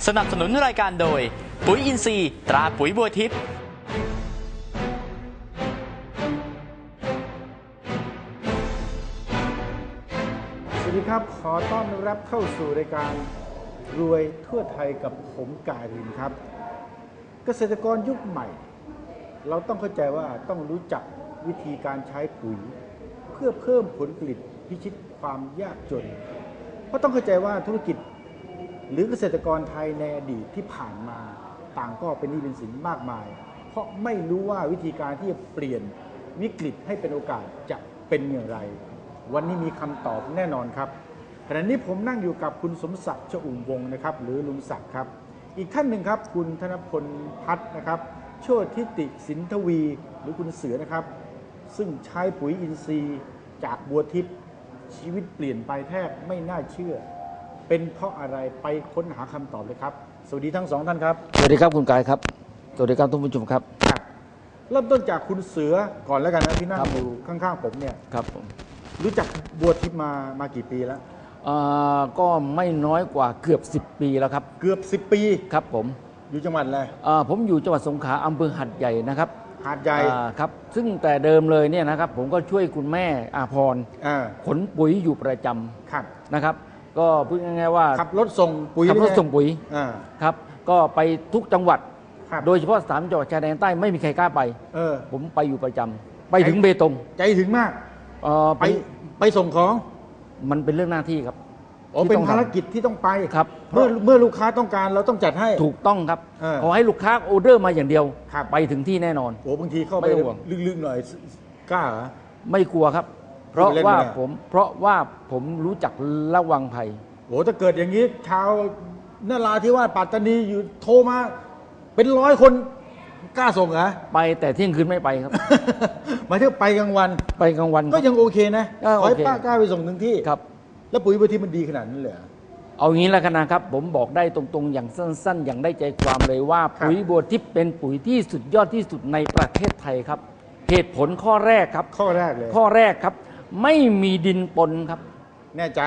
สนับสนุนรายการโดยปุ๋ยอินทรีย์ตราปุ๋ยบัวทิพย์สวัสดีครับขอต้อนรับเข้าสู่รายการรวยทั่วไทยกับผมกายรินครับเกษตรกรยุคใหม่เราต้องเข้าใจว่าต้องรู้จักวิธีการใช้ปุ๋ยเพื่อเพิ่มผลผลิตพิชิตความยากจนเพราะต้องเข้าใจว่าธุรกิจหรือเกษตรกรไทยในอดีตที่ผ่านมาต่างก็เป็นหนี้เป็นสินมากมายเพราะไม่รู้ว่าวิธีการที่จะเปลี่ยนวิกฤตให้เป็นโอกาสจะเป็นอย่างไรวันนี้มีคำตอบแน่นอนครับขณะนี้ผมนั่งอยู่กับคุณสมศักดิ์ชอุ่มวงศ์นะครับหรือลุงศักดิ์ครับอีกท่านหนึ่งครับคุณธนพลพัฒน์นะครับโชติทิติสินทวีหรือคุณเสือนะครับซึ่งใช้ปุ๋ยอินทรีย์จากบัวทิพย์ชีวิตเปลี่ยนไปแทบไม่น่าเชื่อเป็นเพราะอะไรไปค้นหาคำตอบเลยครับสวัสดีทั้งสองท่านครับสวัสดีครับคุณกายครับสวัสดีครับท่านผู้ชมครับเริ่มต้นจากคุณเสือก่อนแล้วกันนะที่นั่งอยู่ข้างๆผมเนี่ยครับผมรู้จักบัวทิพย์มากี่ปีแล้วก็ไม่น้อยกว่าเกือบ10 ปีแล้วครับเกือบ10 ปีครับผมอยู่จังหวัดอะไรผมอยู่จังหวัดสงขลาอำเภอหัดใหญ่นะครับหาดใหญ่ครับซึ่งแต่เดิมเลยเนี่ยนะครับผมก็ช่วยคุณแม่อาภรณ์ขนปุ๋ยอยู่ประจำนะครับก็พูดง่ายๆว่าขับรถส่งปุ๋ยขับรถส่งปุ๋ยครับก็ไปทุกจังหวัดโดยเฉพาะ3 จังหวัดชายแดนใต้ไม่มีใครกล้าไปผมไปอยู่ประจำไปถึงเบตงใจถึงมากไปส่งของมันเป็นเรื่องหน้าที่ครับเป็นภารกิจที่ต้องไปครับเมื่อลูกค้าต้องการเราต้องจัดให้ถูกต้องครับขอให้ลูกค้าออเดอร์มาอย่างเดียวไปถึงที่แน่นอนบางทีเข้าไปลึกๆหน่อยกล้าเหรอไม่กลัวครับเพราะว่าผมรู้จักระวังภัยถ้าเกิดอย่างนี้ชาวนราธิวาสปัตตานีอยู่โทรมาเป็น100 คนกล้าส่งเหรอไปแต่เที่ยงคืนไม่ไปครับหมายถึงไปกลางวันก็ยังโอเคนะขอให้ป้ากล้าไปส่งถึงที่ครับแล้วปุ๋ยบัวทิพย์มันดีขนาดนั้นเลยเอางี้แล้วกันนะครับผมบอกได้ตรงๆอย่างสั้นๆอย่างได้ใจความเลยว่าปุ๋ยบัวทิพย์เป็นปุ๋ยที่สุดยอดที่สุดในประเทศไทยครับเหตุผลข้อแรกครับข้อแรกเลยข้อแรกครับไม่มีดินปนครับแน่ใจ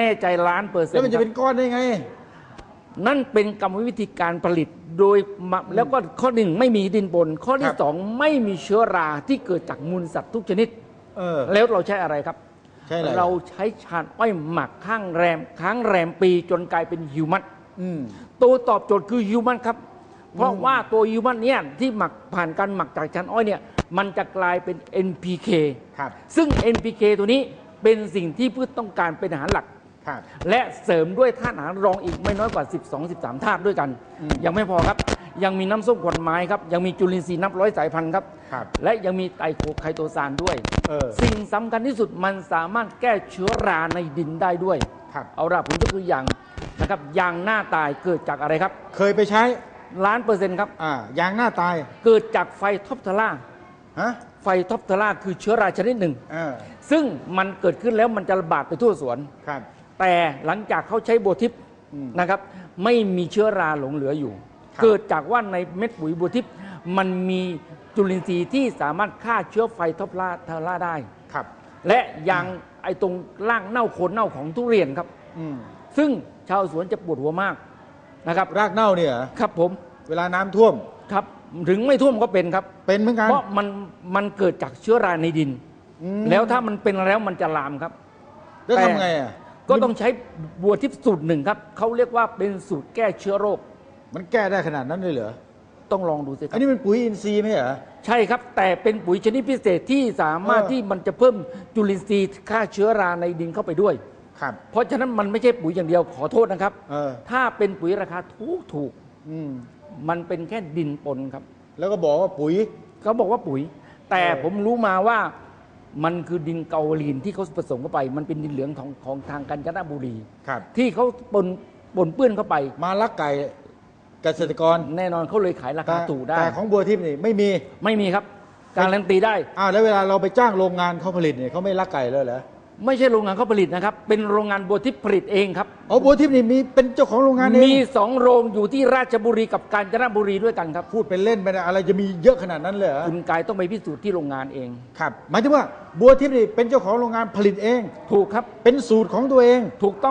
100% แล้วมันจะเป็นก้อนได้ไงนั่นเป็นกรรมวิธีการผลิตโดยแล้วก็ข้อ1ไม่มีดินปนข้อที่2ไม่มีเชื้อราที่เกิดจากมูลสัตว์ทุกชนิดแล้วเราใช้อะไรครับเราใช้ชาญอ้อยหมักค้างแรมปีจนกลายเป็นฮิวมัสตัวตอบโจทย์คือฮิวมัสครับเพราะว่าตัวฮิวมัสเนี่ยที่หมักผ่านการหมักจากชาญอ้อยเนี่ยมันจะกลายเป็น NPK ซึ่ง NPK ตัวนี้เป็นสิ่งที่พืชต้องการเป็นอาหารหลักและเสริมด้วยธาตุอาหารรองอีกไม่น้อยกว่า12-13 ธาตุด้วยกันยังไม่พอครับยังมีน้ำส้มขวัญไม้ครับยังมีจุลินทรีย์นับร้อยสายพันธุ์ครับและยังมีไตรโคไคโตซานด้วยสิ่งสำคัญที่สุดมันสามารถแก้เชื้อราในดินได้ด้วยเอาละผมยกตัวอย่างนะครับยางหน้าตายเกิดจากอะไรครับเคยไปใช้ 1,000,000%ครับยางหน้าตายเกิดจากไฟท็อปเทอร่าไฟท็อปเทอร่าคือเชื้อราชนิดหนึ่งซึ่งมันเกิดขึ้นแล้วมันจะระบาดไปทั่วสวนแต่หลังจากเขาใช้บัวทิพย์นะครับไม่มีเชื้อราหลงเหลืออยู่เกิดจากว่าในเม็ดปุ๋ยบัวทิพย์มันมีจุลินทรีย์ที่สามารถฆ่าเชื้อไฟท็อปเทอร่าได้และยังไอ้ตรงร่างเน่าโคนเน่าของทุเรียนครับซึ่งชาวสวนจะปวดหัวมากนะครับรากเน่าเนี่ยครับผมเวลาน้ำท่วมครับถึงไม่ท่วมก็เป็นครับเป็นเหมือนกันเพราะมันเกิดจากเชื้อราในดินแล้วถ้ามันเป็นแล้วมันจะลามครับแล้วทำไงก็ต้องใช้บัวทิพย์สูตร1ครับเขาเรียกว่าเป็นสูตรแก้เชื้อโรคมันแก้ได้ขนาดนั้นเลยเหรอต้องลองดูสิครับอันนี้เป็นปุ๋ยอินทรีย์ไหมเหรอใช่ครับแต่เป็นปุ๋ยชนิดพิเศษที่สามารถที่มันจะเพิ่มจุลินทรีย์ฆ่าเชื้อราในดินเข้าไปด้วยเพราะฉะนั้นมันไม่ใช่ปุ๋ยอย่างเดียวขอโทษนะครับถ้าเป็นปุ๋ยราคาถูกมันเป็นแค่ดินปนครับแล้วก็บอกว่าปุ๋ยเขาบอกว่าปุ๋ยแต่ผมรู้มาว่ามันคือดินเกาลีนที่เขาผสมเข้าไปมันเป็นดินเหลืองของทางกาญจนบุรีที่เขาปนเปื้อนเข้าไปมาลักไก่เกษตรกรแน่นอนเขาเลยขายราคาถูกได้แต่ของบัวทิพย์นี่ไม่มีครับการันตีได้แล้วเวลาเราไปจ้างโรงงานเขาผลิตเนี่ยเขาไม่ลักไก่เลยเหรอไม่ใช่โรงงานเขาผลิตนะครับเป็นโรงงานบัวทิพย์ผลิตเองครับบัวทิพย์นี่มีเป็นเจ้าของโรงงานเองมี2 โรงอยู่ที่ราชบุรีกับกาญจนบุรีด้วยกันครับพูดเป็นเล่นไปนะอะไรจะมีเยอะขนาดนั้นเลยคุณกายต้องไปพิสูจน์ที่โรงงานเองครับหมายถึงว่าบัวทิพย์นี่เป็นเจ้าของโรงงานผลิตเองถูกครับเป็นสูตรของตัวเองถูกต้องครับ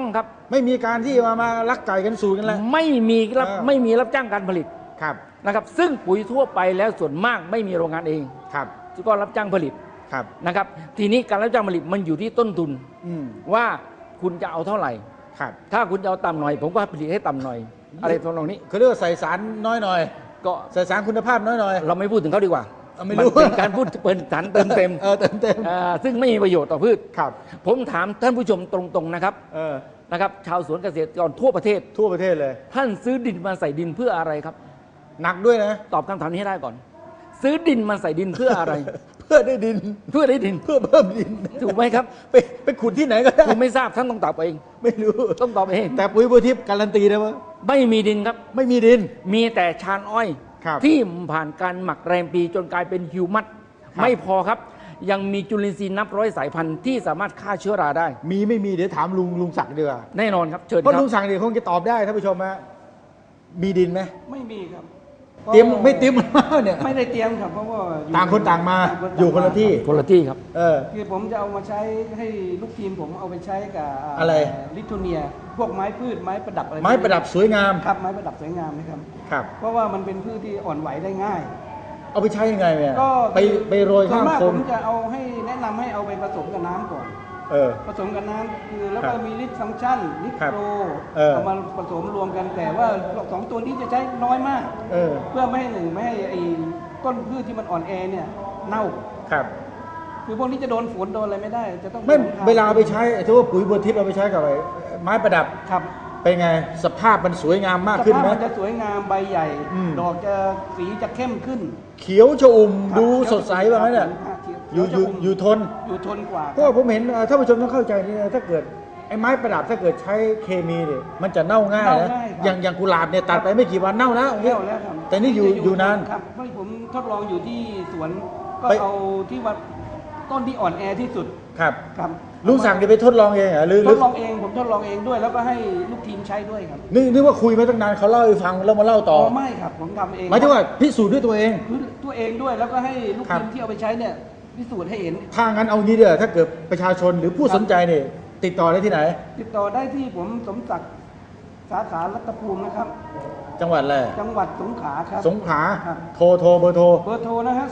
ไม่มีการที่มาลักไก่กันสูตรกันแล้วไม่มีรับจ้างการผลิตครับนะครับซึ่งปุ๋ยทั่วไปแล้วส่วนมากไม่มีโรงงานเองครับก็รับจ้างผลิตครับนะครับทีนี้การรับจ้างผลิตมันอยู่ที่ต้นทุนอืมว่าคุณจะเอาเท่าไหร่ครับถ้าคุณจะเอาต่ำหน่อย ผมก็ผลิตให้ต่ำหน่อย อะไรทำนองนี้เขาเรียกว่าใส่สารน้อยหน่อยก็ใส่สารคุณภาพน้อยหน่อยเราไม่พูดถึงเขาดีกว่าไม่รู้นเป็นการพูดเป็นสารเติมเต็มเติมเต็มซึ่งไม่มีประโยชน์ต่อพืชครับผมถามท่านผู้ชมตรงๆนะครับ นะครับชาวสวนเกษตรกรทั่วประเทศทั่วประเทศเลยท่านซื้อดินมาใส่ดินเพื่ออะไรครับหนักด้วยนะตอบคำถามนี้ให้ได้ก่อน ซื้อดินมาใส่ดินเพื่ออะไรเพื่อได้ดินเพื่อได้ดินเพื่อเพิ่มดินถูกไหมครับไปขุดที่ไหนก็ได้ผมไม่ทราบท่านต้องตอบเองไม่รู้ต้องตอบเองแต่ปุ๋ยบัวทิพย์การันตีนะว่าไม่มีดินครับไม่มีดินมีแต่ชานอ้อยครับที่ผ่านการหมักแรมปีจนกลายเป็นฮิวมัสครับไม่พอครับ ยังมีจุลินทรีย์นับร้อยสายพันธุ์ที่สามารถฆ่าเชื้อราได้มีไม่มีเดี๋ยวถามลุงศักดิ์ดีกว่าแน่นอนครับเชิญเพราะครัลุบงศักดิ์เนี่ยคงจะตอบได้ท่านผู้ชมฮะมีดินไหมไม่มีครับเตรียมไม่เตรียมมาเนี่ยไม่ได้เตรียมครับเพราะว่าอยู่ต่างคนต่างมาต่างอยู่คนละที่คนละที่ครับคือผมจะเอามาใช้ให้ลูกทีมผมเอาไปใช้กับอะไรลิทัวเนีย พวกไม้พืชไม้ประดับอะไรไม้ประดับสวยงามครับไม้ประดับสวยงามนะครับครับเพราะว่ามันเป็นพืชที่อ่อนไหวได้ง่ายเอาไปใช้ยังไงเนี่ยก็ไปโรยข้างส่วนมากโคผม มจะเอาให้แนะนำให้เอาไปผสมกับน้ำก่อน ผสมกับน้ำคือแล้วครัก็บมีลิตฟังก์ชันลิตครับโปรเอามาผสมรวมกันแต่ว่าสองตัวนี้จะใช้น้อยมากเออเพื่อไม่ให้ไม่ให้ไอ้ต้นพืชที่มันอ่อนแอเนี่ยเน่าครับคือพวกนี้จะโดนฝนโดนอะไรไม่ได้ จะต้องไม่ผสทงเวลาเอาไปใช้ถือว่าปุ๋ยบัวทิพย์เอาไปใช้กับไม้ประดับครับเป็นไงสภาพมันสวยงามมากสขึ้นภาพไหมมันจะสวยงามใบใหญ่อืมดอกจะสีจะเข้มขึ้นเขียวชอุ่มครับดูสดใสแบบนั้นเนี่ยครับอยู่เขีวจะมอยู่ทนอยู่ทนกว่าเพราะว่าผมเห็นท่านผู้ชมต้องเข้าใจนี่นะถ้าเกิดไอ้ไม้ประดับถ้าเกิดใช้เคมีเนี่ยมันจะเน่าง่ายนะเน่าง่ายครับอย่างกุหลาบเนี่ยตัดไปไม่กี่วันเน่าแล้วแล้วแล้วครับแต่นี่อยู่นานครับเพราะผมทดลองอยู่ที่สวนก็ไปเอาที่ว่าต้นที่อ่อนแอที่สุดครับครับลุงสั่งเนี่ยไปทดลองเองเหรอหรือทดลองเองผมทดลองเองด้วย แล้วก็ให้ลูกทีมใช้ด้วยครับนึกว่าคุยมาตั้งนานเขาเล่าให้ฟังแล้วมาเล่าต่อไม่ครับผมทำเองหมายถึงว่าพิสูจน์ด้วยตัวเองคือตัวเองด้วยแล้วก็ให้ลูกครับทีมที่เอาไปใช้เนี่ยพิสูจน์ให้เห็นถ้างั้นเอางี้เด้อถ้าเกิดประชาชนหรือผู้สนใจเนี่ยติดต่อได้ที่ไหนติดต่อได้ที่ผมสมศักดิ์สาขารัตภูมินะครับจังหวัดอะไรจังหวัดสงขลาครับสงขลาครับโทรเบอร์โทรเบอร์โทรนะฮะ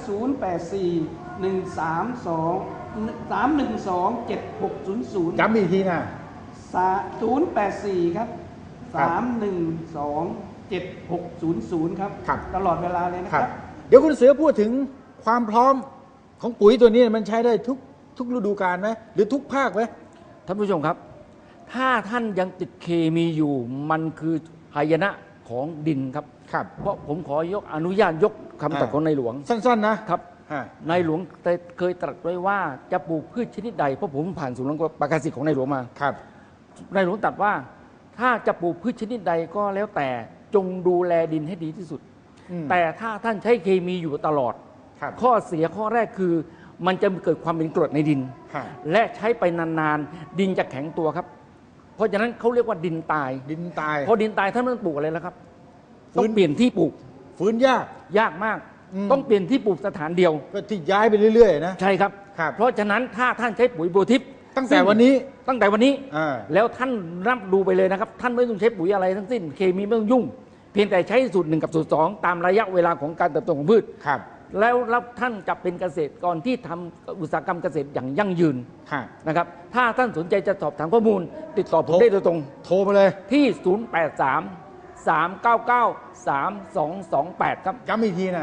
084-132-312-7600 จำอีกทีนะ 084 ครับครับ 312-7600 ครับครับตลอดเวลาเลยนะคครัรับ บเดี๋ยวคุณเสือพูดถึงความพร้อมของปุ๋ยตัวนี้มันใช้ได้ทุกฤดูกาลไหมหรือทุกภาคไหมท่านผู้ชมครับ ถ้าท่านยังติดเคมีอยู่มันคือหายนะของดินครับครับเพราะผมขอนุญาตยกคำตรัสของในหลวงสั้นๆนะครับในหลวงเคยตรัสไว้ว่าจะปลูกพืชชนิดใดเพราะผมผ่านศูนย์ประกาศสิทธิ์ของในหลวงมาครับในหลวงตรัสว่าถ้าจะปลูกพืชชนิดใดก็แล้วแต่จงดูแลดินให้ดีที่สุดอืมแต่ถ้าท่านใช้เคมีอยู่ตลอดครับข้อเสียข้อแรกคือมันจะเกิดความเป็นกรดในดินฮะและใช้ไปนานๆ ดินจะแข็งตัวครับ เพราะฉะนั้นเขาเรียกว่าดินตายดินตายพอดินตายท่านไม่ต้องปลูกอะไรแล้วครับฟื้นต้องเปลี่ยนที่ปลูกฟื้นยากยากมากอืมต้องเปลี่ยนที่ปลูกสถานเดียวก็ที่ย้ายไปเรื่อยๆนะใช่ครับครับเพราะฉะนั้นถ้าท่านใช้ปุ๋ยโบทิปตั้งแต่วันนี้ตั้งแต่วันนี้อ่าแล้วท่านรับดูไปเลยนะครับ ท่านไม่ต้องใช้ปุ๋ยอะไรทั้งสิ้น เคมีไม่ต้องยุ่ง เพียงแต่ใช้สูตร 1 กับสูตร 2 ตามระยะเวลาของการเติบโตของพืชครับแล้วท่านจะเป็นเกษตรกรที่ทำอุตสาหกรรมเกษตรอย่างยั่งยืนฮะนะครับ ถ้าท่านสนใจจะสอบถามข้อมูล ติดต่อผมได้โดยตรงโทรมาเลยที่ 083-399-3228 ครับย้ำอีกทีนะ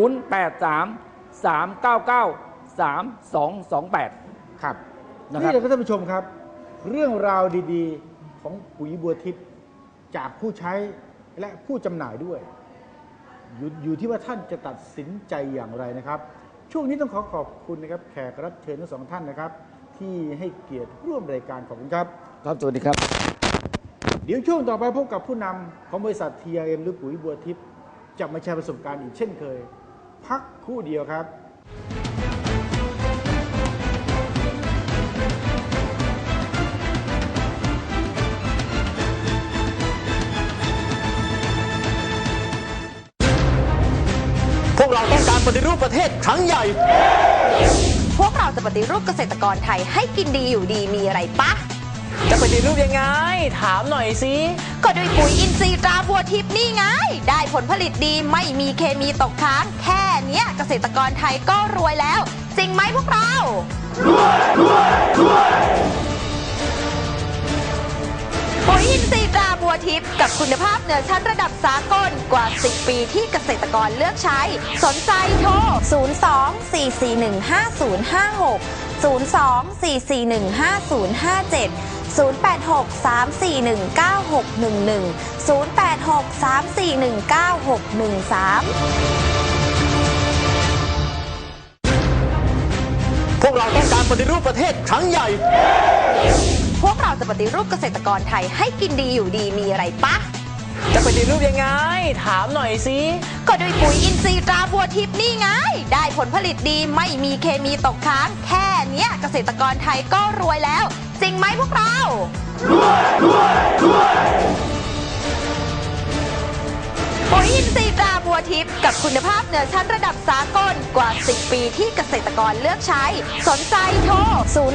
083-399-3228 ครับนะครับนี่แหละครับท่านผู้ชมครับ เรื่องราวดีๆ ของปุ๋ยบัวทิพย์จากผู้ใช้และผู้จำหน่ายด้วย อยู่ที่ว่าท่านจะตัดสินใจอย่างไรนะครับ ช่วงนี้ต้องขอบคุณนะครับแขกรับเชิญทั้งสองท่านนะครับ ที่ให้เกียรติร่วมรายการขอบคุณครับครับสวัสดีครับเดี๋ยวช่วงต่อไปพบกับผู้นำของบริษัท TRM หรือปุ๋ยบัวทิพย์จะมาแชร์ประสบการณ์อีกเช่นเคย พักครู่เดียวครับพวกเราต้องการปฏิรูปประเทศครั้งใหญ่พวกเราจะปฏิรูปเกษตรกรไทยให้กินดีอยู่ดีมีอะไรปะจะปฏิรูปยังไงถามหน่อยสิก็ด้วยปุ๋ยอินทรีย์ตราบัวทิพย์นี่ไงได้ผลผลิตดีไม่มีเคมีตกค้างแค่เนี้ยเกษตรกรไทยก็รวยแล้วจริงไหมพวกเราปุ๋ยอินทรีย์ตราบัวทิพย์กับคุณภาพเหนือชั้นระดับสากลกว่า 10 ปีที่เกษตรกรเลือกใช้สนใจโทร 02-441-5056 พวกเราต้องการปฏิรูปประเทศครั้งใหญ่พวกเราจะปฏิรูปเกษตรกรไทยให้กินดีอยู่ดีมีอะไรปะจะปฏิรูปยังไงถามหน่อยสิก็ด้วยปุ๋ยอินทรีย์ตราบัวทิพย์นี่ไงได้ผลผลิตดีไม่มีเคมีตกค้างแค่เนี้ยเกษตรกรไทยก็รวยแล้วจริงไหมพวกเราปุ๋ยอินทรีย์ตราบัวทิพย์กับคุณภาพเหนือชั้นระดับสากลกว่า 10 ปีที่เกษตรกรเลือกใช้สนใจโทร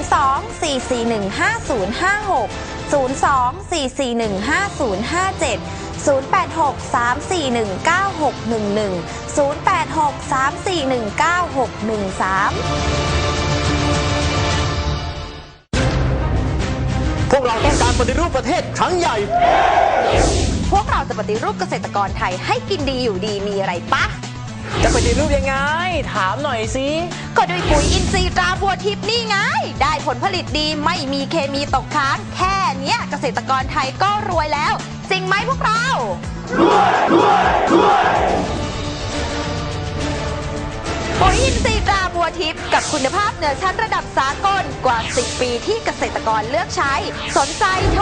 พวกเราต้องการปฏิรูปประเทศครั้งใหญ่พวกเราจะปฏิรูปเกษตรกรไทยให้กินดีอยู่ดีมีอะไรปะจะปฏิรูปยังไงถามหน่อยสิก็ด้วยปุ๋ยอินทรีย์ตราบัวทิพย์นี่ไงได้ผลผลิตดีไม่มีเคมีตกค้างแค่เนี้ยเกษตรกรไทยก็รวยแล้วจริงไหมพวกเราปุ๋ยอินทรีย์ตราบัวทิพย์กับคุณภาพเหนือชั้นระดับสากลกว่า 10 ปีที่เกษตรกรเลือกใช้สนใจโทร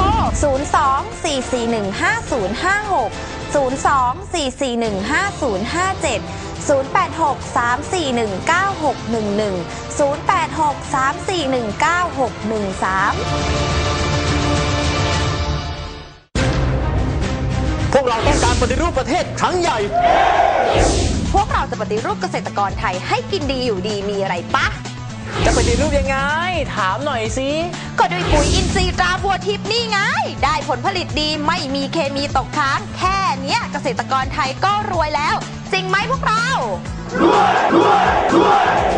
พวกเราต้องการปฏิรูปประเทศครั้งใหญ่พวกเราจะปฏิรูปเกษตรกรไทยให้กินดีอยู่ดีมีอะไรปะจะปฏิรูปยังไงถามหน่อยสิก็ด้วยปุ๋ยอินทรีย์ตราบัวทิพย์นี่ไงได้ผลผลิตดีไม่มีเคมีตกค้างแค่เนี้ยเกษตรกรไทยก็รวยแล้วจริงไหมพวกเรา